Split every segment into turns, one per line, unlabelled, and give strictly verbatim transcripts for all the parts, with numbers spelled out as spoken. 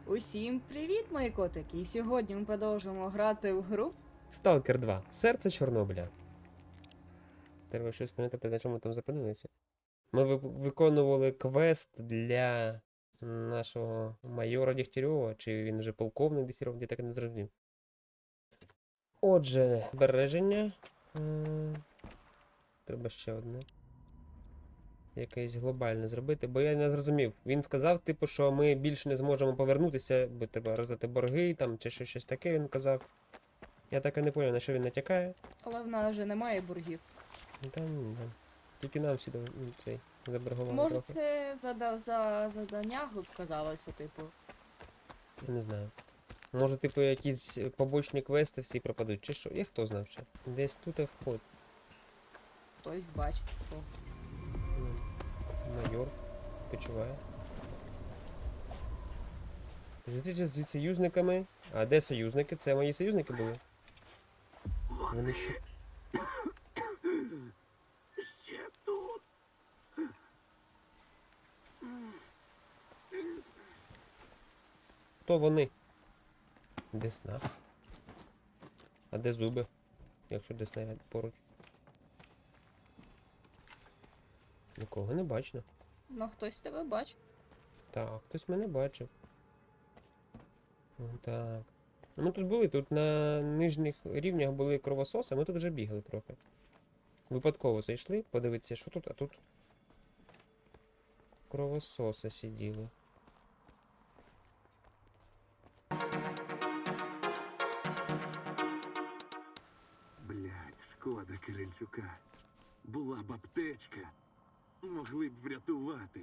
Усім привіт, мої котики! І сьогодні ми продовжуємо грати в гру.
Сталкер два. Серце Чорнобиля. Треба щось пам'ятати, на чому ми там зупинилися. Ми ви- виконували квест для нашого майора Дігтярьова, чи він вже полковник Дігтярьов, я так і не зрозумів. Отже, збереження. М, Треба ще одне. Якесь глобальне зробити, бо я не зрозумів. Він сказав, типу, що ми більше не зможемо повернутися, бо треба роздати борги там, чи що- щось таке він казав. Я так і не поняв, на що він натякає.
Але в нас вже немає боргів.
Та ні, да. Тільки нам всі дав- ну, цей заборгували
Може,
трохи.
це зада... за задання казалося, типу.
Я не знаю. Може, типу, якісь побочні квести всі пропадуть, чи що? Я хто знав ще. Десь тут і вход.
Хтось бачить. Хто.
Ну, майор почуває. Зустріча зі союзниками. А де союзники? Це мої союзники були? Вони ще.
Ще тут.
Хто вони? Десна. А де зуби? Якщо десна ряд поруч. Нікого не бачно.
Ну, хтось тебе бачить.
Так, хтось мене бачив. Ну, так. Ну, ми тут були, тут на нижніх рівнях були кровососи, ми тут вже бігали трохи. Випадково зайшли, подивитися, що тут, а тут кровососи сиділи.
Блядь, шкода Кирильчука. Була б аптечка. Могли б врятувати.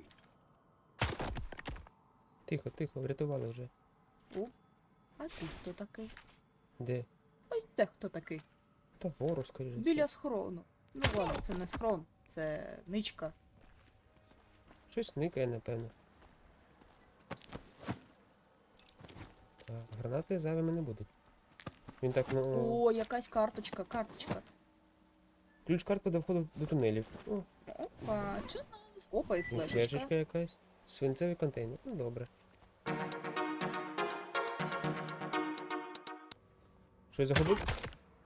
Тихо, тихо, врятували вже.
А тут хто такий?
Де?
Ось це хто такий?
Та ворог, скоріше.
Біля схрону. Ну ладно, це не схрон, це ничка.
Щось никає, напевно. Так, гранати зайвими не будуть. Він так, ну.
О, якась карточка, карточка.
Ключ-картка до входу до тунелів. О,
Опа, чи нас? Опа, і флешечка.
флешечка якась. Свинцевий контейнер. Ну добре. Щось загубив?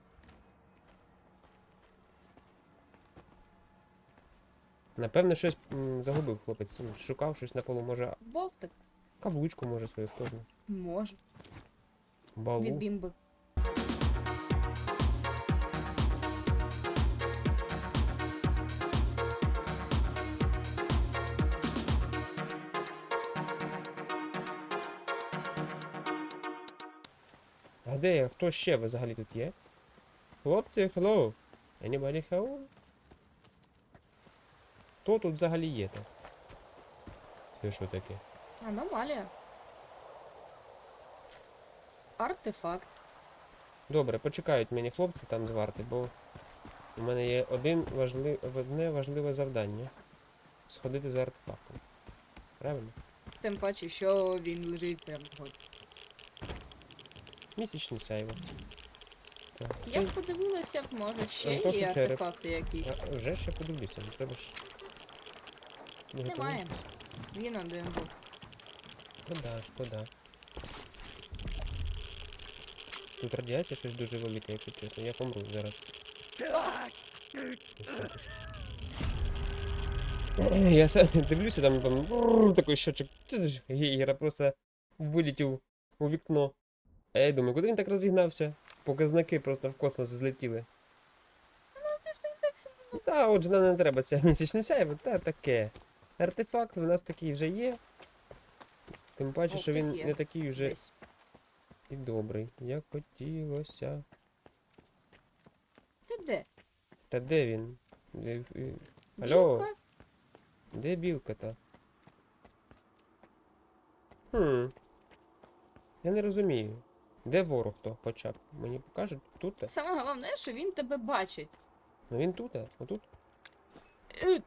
Напевно, щось м, загубив хлопець. М, Шукав щось на полу, може
Бовтик.
каблучку, може свою, хто знає.
Може. Від
Балу.
бімби.
А де я? Хто ще взагалі тут є? Хлопці, hello. Anybody home? Хто тут взагалі є так? Це що таке?
Аномалія. Артефакт.
Добре, почекають мені хлопці там з варти, бо у мене є один важлив... одне важливе завдання. Сходити за артефактом. Правильно?
Тим паче, що він лежить прямо тут.
Місячний сяйво. Так,
Я
це-
б подивилася, б, може ще
Антошу
є
череп.
артефакти якісь.
А, вже ще подивлюся, ну треба ж. Не
Немає. Він один був.
Шкода, шкода. Тут радіація щось дуже велике, якщо чесно. Я помру зараз. Ось так ось. Я сам дивлюся, там, там бррр, такий щочок. Гейгера просто вилетів у вікно. А я думаю, куди він так розігнався? Показники просто в космос злетіли. Ну та, отже, нам не треба ця місячне сяйво, та таке. Артефакт у нас такий вже є. Тим паче,
О,
що він
хтось є.
не такий вже
Десь.
і добрий, як хотілося.
Ти де?
Та де він? Де... е, Алло,
Білка?
де білка-то? Хм. Я не розумію. Де ворог то хоча б? Мені покажуть тут?
Саме головне, що він тебе бачить.
Ну він тут, отут.
Е,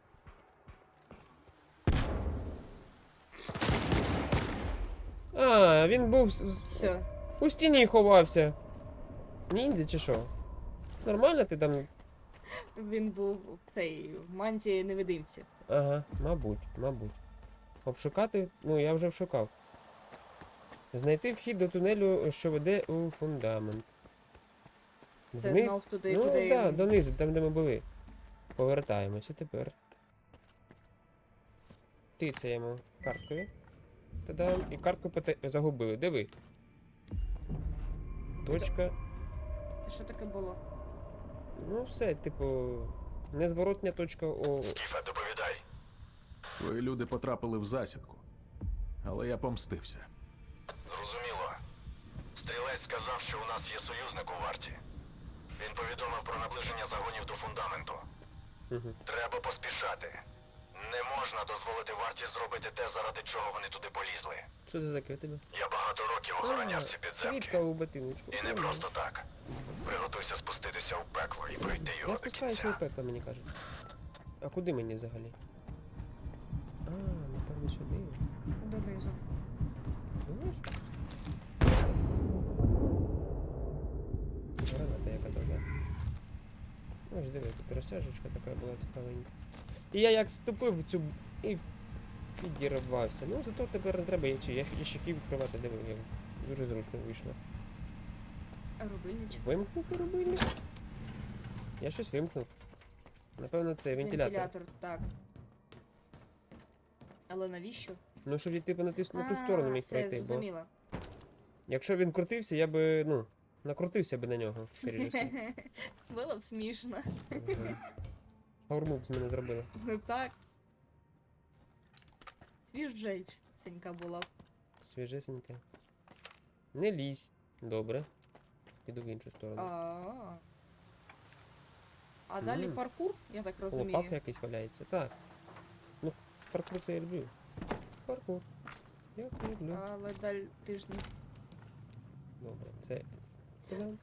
А, він був з- з-
Все.
у стіні ховався. Ніндзя чи що? Нормально ти там?
Він був в цей в мантії невидимці.
Ага, мабуть, мабуть. Обшукати? Ну, я вже обшукав. Знайти вхід до тунелю, що веде у фундамент.
Це
Зниз-
знов туди,
Ну,
куди...
так, да, донизу, там, де ми були. Повертаємося тепер. Тицяємо карткою. Та-дам. І картку поте- загубили. Де ви? Точка.
Що таке було?
Ну, все, типу. Незворотня точка О.
Скіфе, доповідай.
Твої люди потрапили в засідку. Але я помстився.
Зрозуміло. Стрілець сказав, що у нас є союзник у варті. Він повідомив про наближення загонів до фундаменту.
Угу.
Треба поспішати. Не можна дозволити варті зробити те, заради чого вони туди полізли.
Що це таке у тебе?
Я багато років охороняв ці
Квітка
підземки.
у ботиночку.
І не просто так. Приготуйся спуститися у пекло і пройти його
Я
до
спускаюся
кінця.
у пекло, мені кажуть. А куди мені взагалі? А, напевно, сюди.
Донизу.
Думаєш? Граната, я казав, так? Ось диви, тут розтяжечка така була цікавенька. І я як ступив в цю і підірвався. Ну зато тепер не треба ящики, я ящики відкривати, диви, як дуже зручно вийшло.
А рубильничок?
Вимкнути рубильник? Я щось вимкнув. Напевно, це вентилятор.
Вентилятор, так. Але навіщо?
Ну, щоб я типу на ту, на ту
А,
сторону міг
все,
пройти, бо
зрозуміла.
якщо він крутився, я би, ну, накрутився би на нього, скоріше все.
Було б смішно.
Ага. Шаурму б з мене зробили.
Ну так. Свіжеченька була б.
Свіжесеньке. Не лізь. Добре. Піду в іншу сторону.
А. А далі
Мгм.
паркур, я так розумію.
Лопак якийсь валяється. Так. Ну, паркур це я люблю. Паркур. Я це люблю.
Але далі ти ж не...
Добре, це. Та-дам.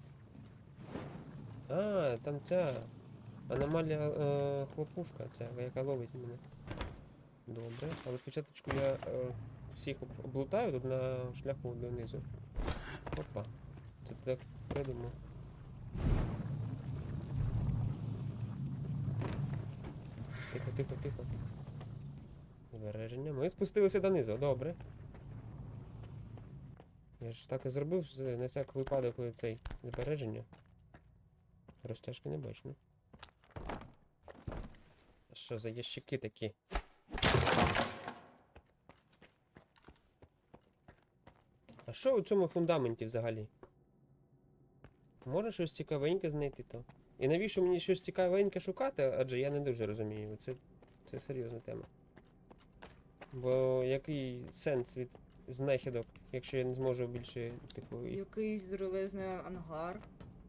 А, там ця аномалія е, хлопушка, ця, яка ловить мене. Добре. Але спочатку я е, всіх об- облутаю тут на шляху донизу. Опа. Це ти так придумав. Тихо, тихо, тихо. Збереження. Ми спустилися донизу, добре. Я ж так і зробив з- на всяк випадок цей збереження. Розтяжки не бачно. А що за ящики такі? А що у цьому фундаменті взагалі? Може щось цікавеньке знайти то? І навіщо мені щось цікавеньке шукати? Адже я не дуже розумію. Це, це серйозна тема. Бо який сенс від знахідок, якщо я не зможу більше, типу, їх.
Якийсь здоровезний ангар.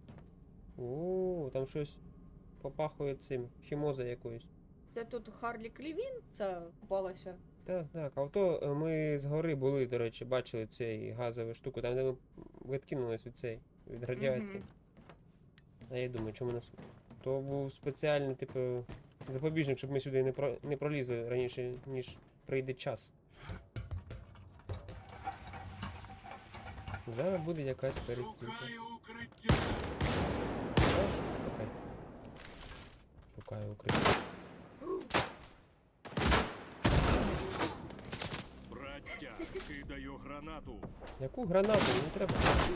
О, там щось попахує цим, хімоза якоюсь.
Це тут Харлі Клівін ця купалася.
Так, так. А то е, ми з гори були, до речі, бачили цей газову штуку, там де ми відкинулись від цей, від радіації.
Мгм.
А я думаю, чому нас. То був спеціальний, типу, запобіжник, щоб ми сюди не, про... не пролізли раніше, ніж прийде час. Зараз буде якась перестрілка.
Шукаю укриття.
Шукаєш? Шукай. Шукаю укриття.
Браття, кидаю гранату.
Яку гранату? Не треба.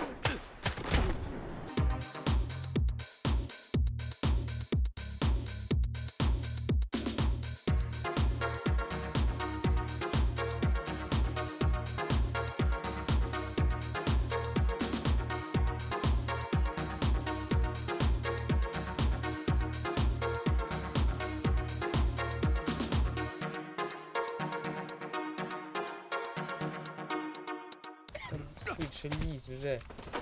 Там швидше лізь вже.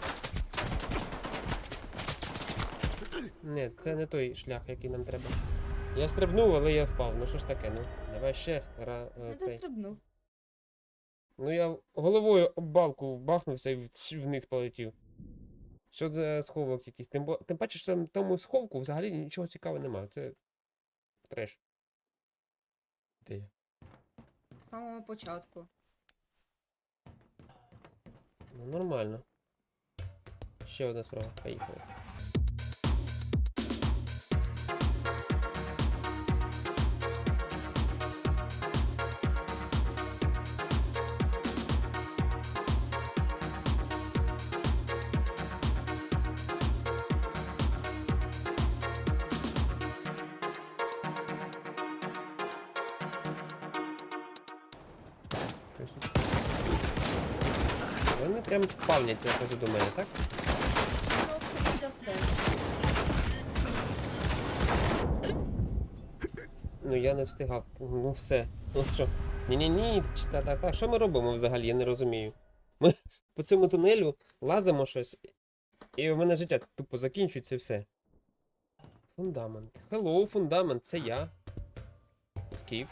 Ні, це не той шлях, який нам треба. Я стрибнув, але я впав. Ну що ж таке, ну. Давай ще гра. е,
Не
цей.
застрибнув.
Ну я головою об балку бахнувся і в- вниз полетів. Що за сховок якийсь? Тим, бо- тим паче, що там в тому сховку взагалі нічого цікавого немає. Це треш. Де я?
З самого початку.
Ну нормально. Ще одна справа. Поїхали. Вони прям спавняться позаду мене, так?
Ну, скоріш за все.
Ну я не встигав. Ну все. Ну що? Ні-ні-ні, та та та що ми робимо взагалі? Я не розумію. Ми по цьому тунелю лазимо щось, і в мене життя тупо закінчується і все. Фундамент. Hello, фундамент, це я. Скіф.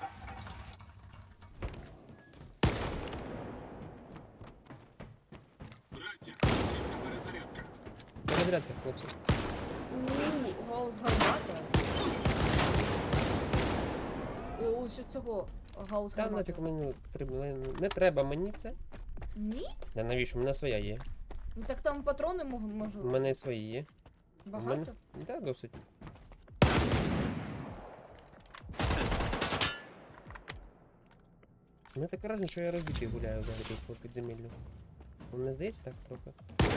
Браття, потрібна перезарядка.
Перезарядка, хлопці.
У, гаус гармата. О, ось цього гаус
Та
гармата.
нафіг мені потрібно. Не треба мені це.
Ні?
А навіщо? У мене своя є.
Ну так там патрони мог-
У
можуть.
мене свої є. У мене...
Багато?
Так, досить. У мене таке враження, що я розбитий гуляю взагалі тут по підземеллю. Вам не здається так трохи?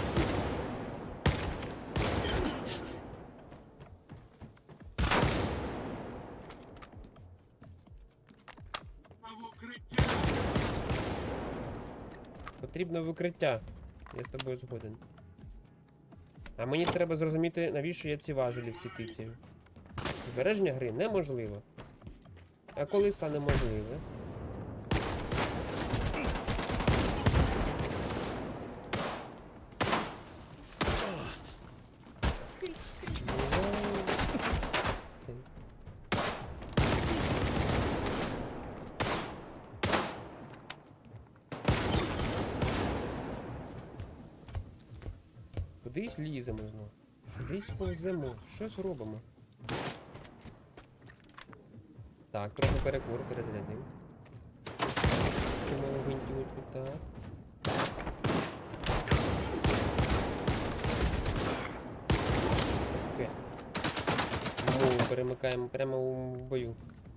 В укриття!
Потрібно викриття. Я з тобою згоден. А мені треба зрозуміти, навіщо я ці важелі всі тицяю. Збереження гри неможливо. А коли стане можливе?
Крі- крі-
Це- Кудись ліземо знову. Кудись повземо. Щось робимо. Так, трохи перекур, перезарядив. Штимали гвинтівочку, так. Таке. Мову перемикаємо прямо у бою.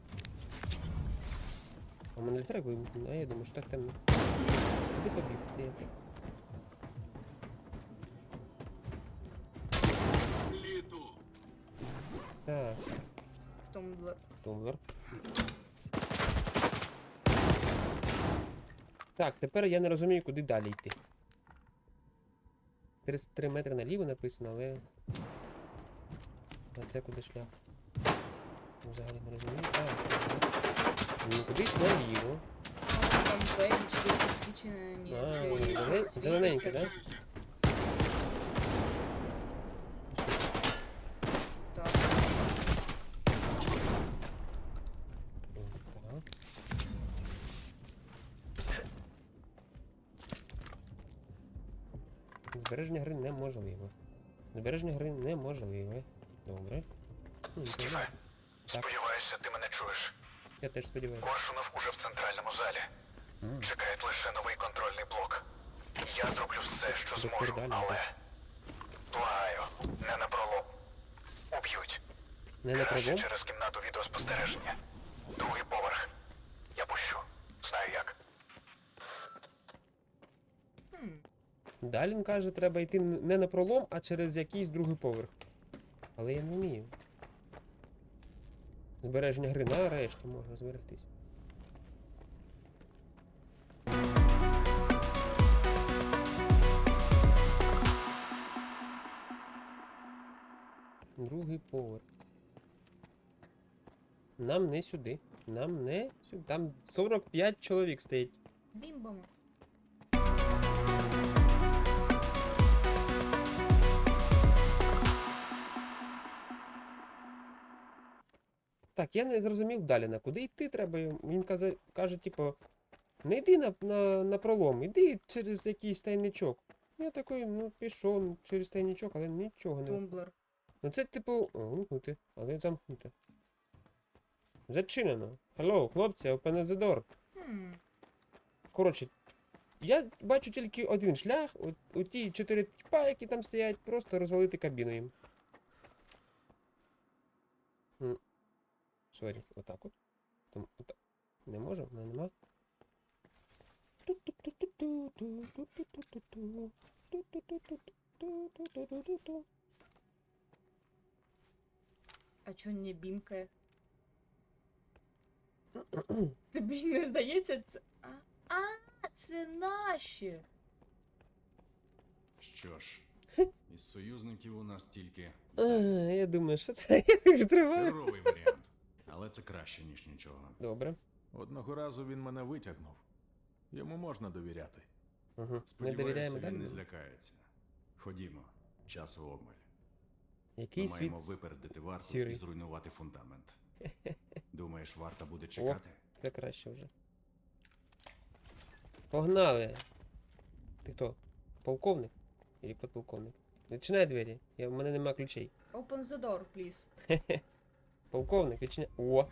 А в мене літерак вимкнено, а я думаю, що так темно. Куди побіг? Де я так?
Літу!
Так,
Тумблер.
тумблер. Так, тепер я не розумію, куди далі йти. тридцять три метри наліво написано, але... А це куди шлях? Взагалі не розумію. А, ну кудись наліво.
А там двері чи якісь свічені.
А,
чи-
зелен-
чи-
зелененьке, так?
Так.
Так. Збереження гри неможливо. Збереження гри неможливе. Добре. Ну, нічого.
Стіве, сподіваюся, ти мене чуєш.
Я теж сподіваюся.
Коршунов уже в центральному залі.
М.
Чекає лише новий контрольний блок. Я зроблю все, що
Доктор
зможу,
Далі
але...
зараз.
Благаю, не на пролом. Уб'ють.
Не на
Краще
пролом?
через кімнату відеоспостереження. Другий поверх. Я пущу. Знаю як.
Хм.
Далін каже, треба йти н- не на пролом, а через якийсь другий поверх. Але я не вмію. Збереження гри нарешті можна зберегтись. Другий поверх. Нам не сюди. Нам не сюди. Там сорок п'ять чоловік стоїть.
Бімбами.
Так, я не зрозумів Даліна, куди йти треба. Він каже, каже типу, не йди на, на, на пролом, іди через якийсь тайничок. Я такий, ну, пішов через тайничок, але нічого не.
Тумблер.
Ну це типу. О, вимкнути, але замкнути. Зачинено. Hello, хлопці, open the door.
Хм.
Коротше, я бачу тільки один шлях, от, у ті чотири тіпа, які там стоять, просто розвалити кабіну їм. М. Сорі, отак от. Там, отак. Не можу, в мене нема.
А чого не бімкає? Тобі не здається це. А, а це наші.
Що ж, із союзників у нас тільки
А, я думаю, що це я їх триваю.
херовий варіант. Але це краще, ніж нічого.
Добре.
Одного разу він мене витягнув. Йому можна довіряти.
Угу. Ми
Сподіваюся,
довіряємо
він
далі.
не злякається. Ходімо, часу обмаль.
Який
Ми
світ
маємо
с-
випередити варту
сірий.
і зруйнувати фундамент. Думаєш, варта буде чекати?
Це краще вже. Погнали! Ти хто? Полковник? Или подполковник? Відчиняй двері. Я, в мене нема ключей.
Open the door, please.
Полковник, відчиняй. О!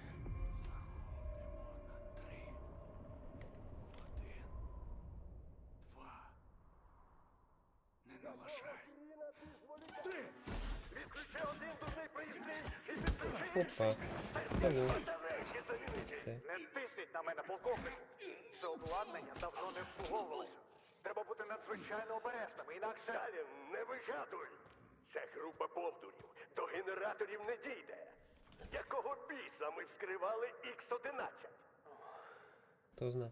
Опа. Алло. Це.
Не тисніть на мене, полковнику. Це обладнання давно не обслуговувалося. Треба бути надзвичайно обережними, інакше...
Далі, не вигадуй! Ця група повдурів до генераторів не дійде. Якого біса ми вскривали ікс одинадцять?
Хто зна?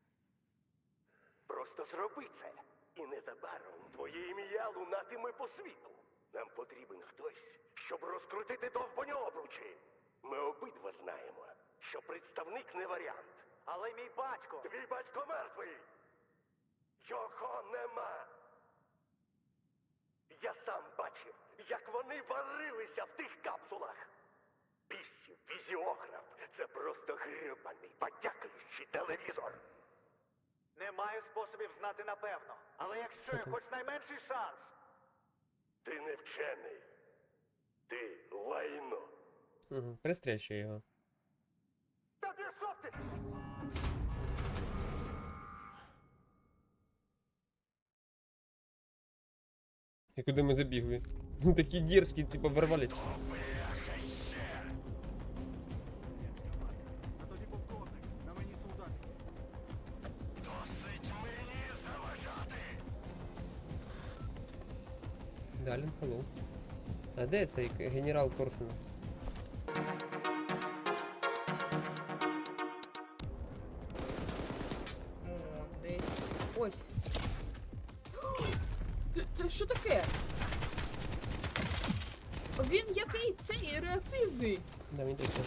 Просто зроби це. І незабаром твоє ім'я лунатиме по світу. Нам потрібен хтось, щоб розкрутити довбані обручі. Ми обидва знаємо, що представник не варіант.
Але мій батько...
Твій батько мертвий! Його нема! Я сам бачив, як вони варилися в тих капсулах. Бісів, фізіограф — це просто грибаний, подякуючий телевізор.
Не маю способів знати напевно. Але якщо є
там?
хоч найменший шанс...
Ти не вчений. Ти лайно.
Угу. Пристрельчу його.
Та пішов ти!
І куди ми забігли? Ну такі дерзкі, типу, ворвались.
А тоді полковник, на мені солдати.
Досить мені заважати!
Далін, hello. А де цей к- генерал Коршунов?
О, десь. Ось. Це- Це що таке? Він який цей реактивний.
Да, він точно.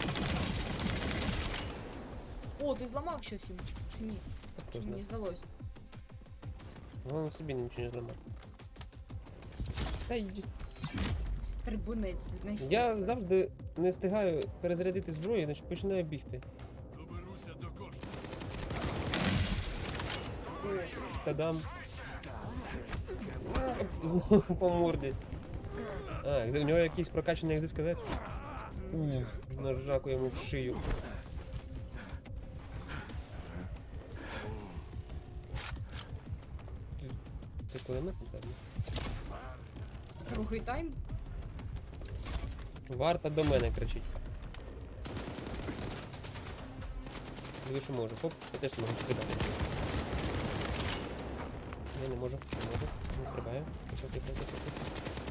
О, ти зламав щось йому. Чи ні?
Так
Чи
хто
мені
знає.
здалось?
Головне собі нічого не зламав. Та йди.
Стрибунець знайшов.
Я завжди не встигаю перезарядити зброю, значить починаю бігти.
Доберуся до кошту.
Та-дам. Знову по морді. А, у нього якийсь прокачаний екзоскелет. Ух, нажаку йому в шию. Це кулемет, напевно.
Другий тайм.
Варта до мене кричить. Диви, що можу. Хоп, я теж можу стрибати. Я не можу, не можу, не стрибаю. Тихо, тихо, тихо, тихо.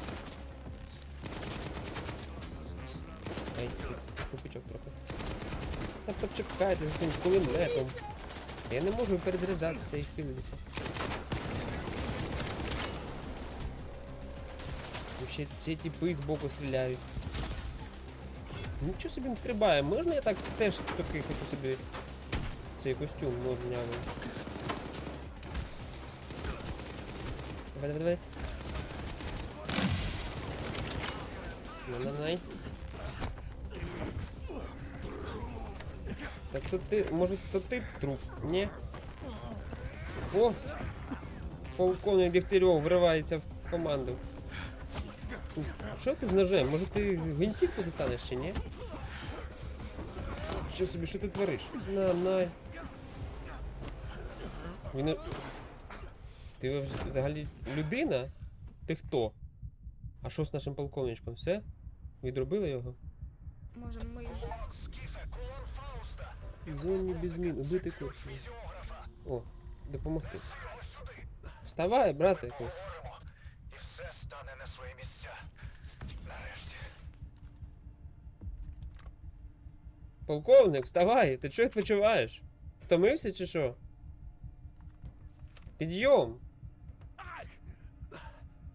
Ай, тут тупичок трохи. Та почекайте за цим кулеметом. Я не можу перезаряджатися і хилитися. І ще ці тіпи збоку стріляють. Нічого собі не стрибає. Можна я так теж такий хочу собі цей костюм моднявий? Давай, давай, давай. На-на-най. Так то ти, може то ти труп? Ні? О! Полковник Дегтярьов вривається в команду. Ух, що ти з ножем? Може ти гвинтівку достанеш чи ні? Що собі, що ти твориш? На, на. Він... Ти взагалі людина? Ти хто? А що з нашим полковничком? Все? Відробили його?
Може ми.
Скіфе, кулон Фауста!
В зоні без змін, убити курсу. О, допомогти. Вставай, братику.
Поговоримо, і все стане на свої місця. Нарешті.
Полковник, вставай! Ти чого відпочиваєш? Втомився чи що? Підйом!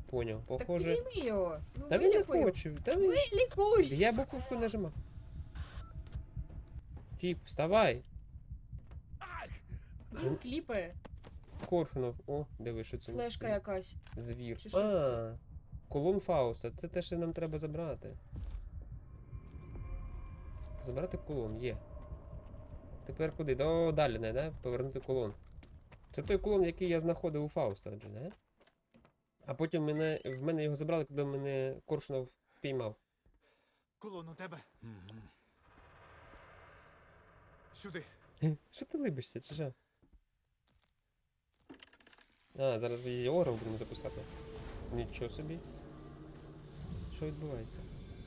Поняв.
Так
Похоже.
підійми його. Ну,
Та він не
вилікуй.
хоче. Та він...
Вилікуй.
Я буковку нажимав. Фіп, вставай!
Він кліпає.
Коршунов. О, диви, що це.
Флешка якась.
Звір.
Чи що
А, колон Фауста. Це те, що нам треба забрати. Забрати колон, є. Тепер куди? До далі, не, да? Повернути колон. Це той колон, який я знаходив у Фауста, отже, не? А потім мене, в мене його забрали, коли мене Коршунов впіймав.
Колон у тебе. Сюди.
Що ти либишся, чи що? А, зараз візіором будемо запускати. Нічого собі. Що відбувається?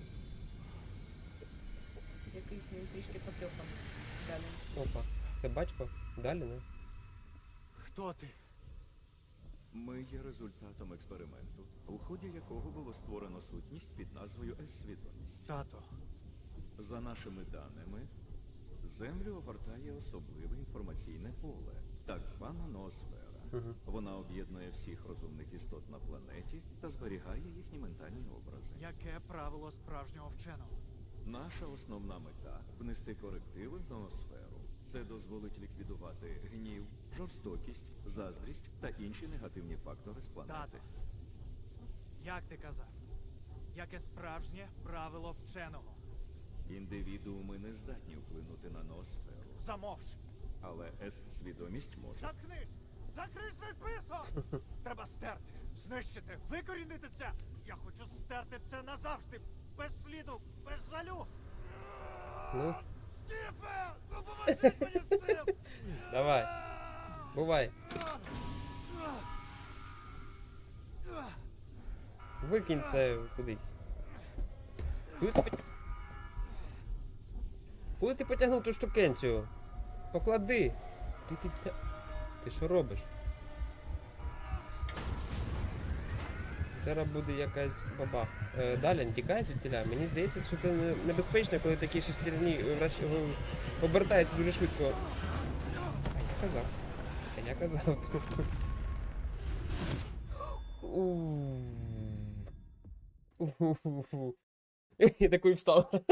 Якийсь він трішки потрьоханий. Далі.
Опа. Це батько? Далі, не?
Хто ти?
Ми є результатом експерименту, у ході якого було створено сутність під назвою С-свідомість.
Тато.
За нашими даними, Землю огортає особливе інформаційне поле, так звана ноосфера.
Угу.
Вона об'єднує всіх розумних істот на планеті та зберігає їхні ментальні образи.
Яке правило справжнього вченого?
Наша основна мета внести корективи в ноосферу. Це дозволить ліквідувати гнів, жорстокість, заздрість та інші негативні фактори з планети.
Тато. Як ти казав? Яке справжнє правило вченого?
Індивідууми не здатні вплинути на ноосферу,
Замовч.
але С-свідомість може.
Заткнись! Закрий свій писок! Треба стерти, знищити, викорінити це! Я хочу стерти це назавжди! Без сліду, без жалю!
Ну,
Стіфе! Допоможи мені з цим!
давай. Бувай. Викинь це кудись. Куди ти потяг... Куди ти потягнув ту штукенцію? Поклади. Ти, ти, ти... Ти що робиш? Зараз буде якась бабах. Е, далі, тікай звідтіля. Мені здається, що це не- небезпечно, коли такі шестерні вращ... в- обертаються дуже швидко. А я казав. А я казав. У-у-у. Я такий встав.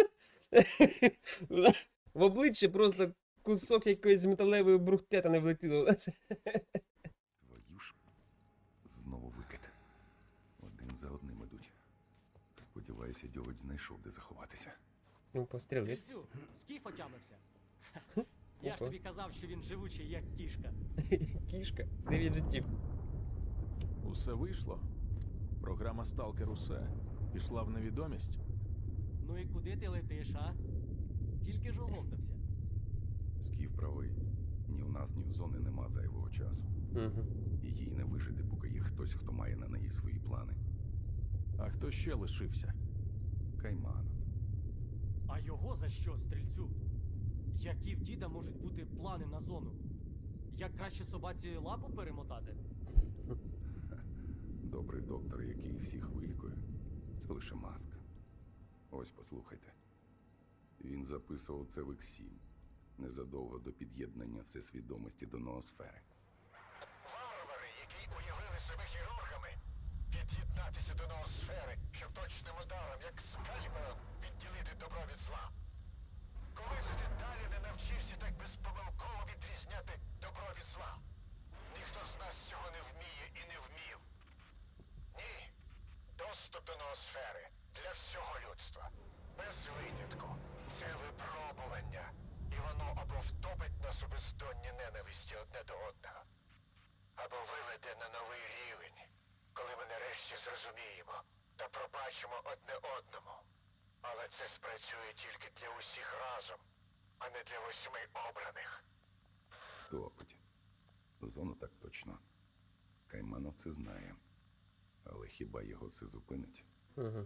В обличчя просто кусок якоїсь металевої брухтета не влетіло.
Твою ж знову викид. Один за одним ідуть. Сподіваюся, дьович знайшов, де заховатися.
Ну, пострілець.
Крисю, скіф отямився. Я ж
Опа.
тобі казав, що він живучий, як кішка.
Кішка. Дев'ять життів.
Усе вийшло. Програма Сталкер усе. Пішла в невідомість.
Ну і куди ти летиш, а? Тільки ж оговтався.
Скіф правий. Ні в нас, ні в зони нема зайвого часу.
Угу.
І їй не вижити, поки є хтось, хто має на неї свої плани.
А хто ще лишився?
Кайманов.
А його за що, стрільцю? Які в діда можуть бути плани на зону? Як краще собаці лапу перемотати?
Добрий доктор, який всіх вилікує. Це лише маска. Ось послухайте. Він записував це в ікс сім. Незадовго до під'єднання всесвідомості до ноосфери.
Варвари, які уявили себе хірургами, під'єднатися до ноосфери, щоб точним ударом, як скальпелем, відділити добро від зла. Коли це ти далі не навчився так безпомилково відрізняти добро від зла? Ніхто з нас цього не вміє і не вмів. Ні. Доступ до ноосфери для всього людства. Без винятку. Це випробування. І воно або втопить нас у бездонні ненависті одне до одного, або виведе на новий рівень, коли ми нарешті зрозуміємо та пробачимо одне одному. Але це спрацює тільки для усіх разом, а не для восьми обраних.
Втопить. Зону так точно. Кайманов це знає. Але хіба його це зупинить?
Угу.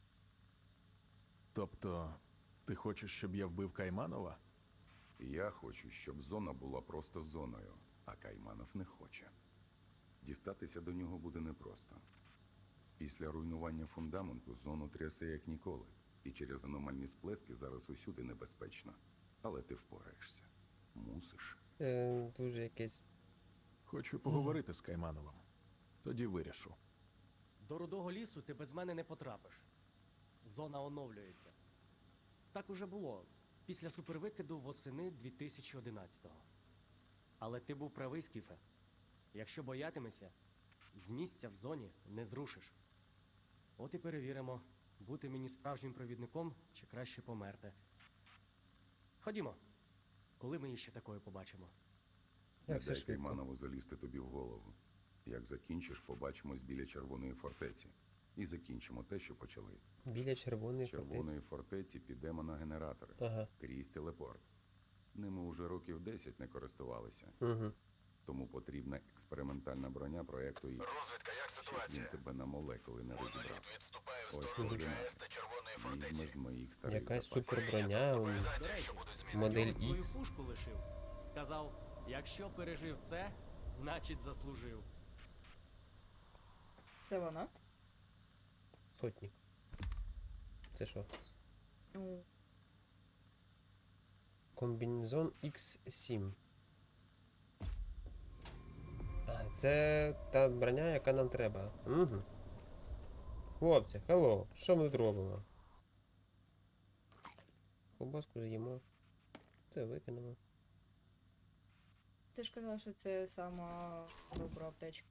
Тобто, ти хочеш, щоб я вбив Кайманова?
Я хочу, щоб зона була просто зоною, а Кайманов не хоче. Дістатися до нього буде непросто. Після руйнування фундаменту зону трясе як ніколи, і через аномальні сплески зараз усюди небезпечно. Але ти впораєшся. Мусиш.
Е, дуже якесь.
Хочу поговорити з Каймановим. Тоді вирішу.
До рудого лісу ти без мене не потрапиш. Зона оновлюється. Так уже було після супервикиду восени дві тисячі одинадцятого. Але ти був правий, Скіфе. Якщо боятимешся, з місця в зоні не зрушиш. От і перевіримо, бути мені справжнім провідником чи краще померти. Ходімо. Коли ми її ще такою побачимо?
Не
Як все
дай
швидко.
Кайманову залізти тобі в голову. Як закінчиш, побачимось біля Червоної фортеці. І закінчимо те, що почали.
Біля червоної
З Червоної
фортеці.
фортеці підемо на генератори.
Ага.
Крізь телепорт. Ними уже років десять не користувалися.
Угу.
Тому потрібна експериментальна броня проекту Ікс.
Розвідка, як
Щоб
ситуація?
він тебе на молекули не розібрав.
Моноліт відступає
Ось
вздовж
координати.
ЧАЕС та Червоної
Візьмеш
фортеці.
з моїх старих
Якась
запасів.
суперброня, м,
До речі,
модель
Йон твою
X.
пушку лишив. Сказав, якщо пережив це, значить заслужив.
Це вона?
Сотник. Це що?
Ну,
Комбінезон ікс сім. А, це та броня, яка нам треба. Угу. Хлопці, хелло, що ми тут робимо? Ковбаску з'їмо. Це викинемо.
ти ж казав, що це сама добра аптечка.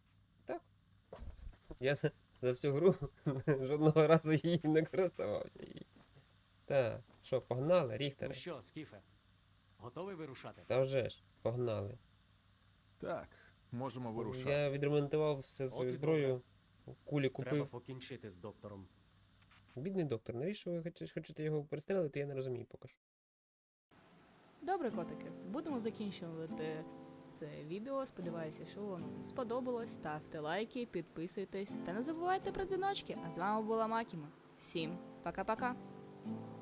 Я за, за всю гру жодного разу її не користувався. їй. Так, що, погнали,
Ну
Ріхтере?
що, Скіфе, готовий вирушати?
Та вже ж, погнали.
Так, можемо вирушати.
Я відремонтував все свою
От і
зброю. Кулі
Треба
купив.
покінчити з доктором.
Бідний доктор, навіщо ви хоч- хочете його перестрелити, я не розумію поки що.
Добре, котики, будемо закінчувати це відео. Сподіваюся, що вам сподобалось. Ставте лайки, підписуйтесь та не забувайте про дзвіночки. А з вами була Макіма. Всім пока-пока.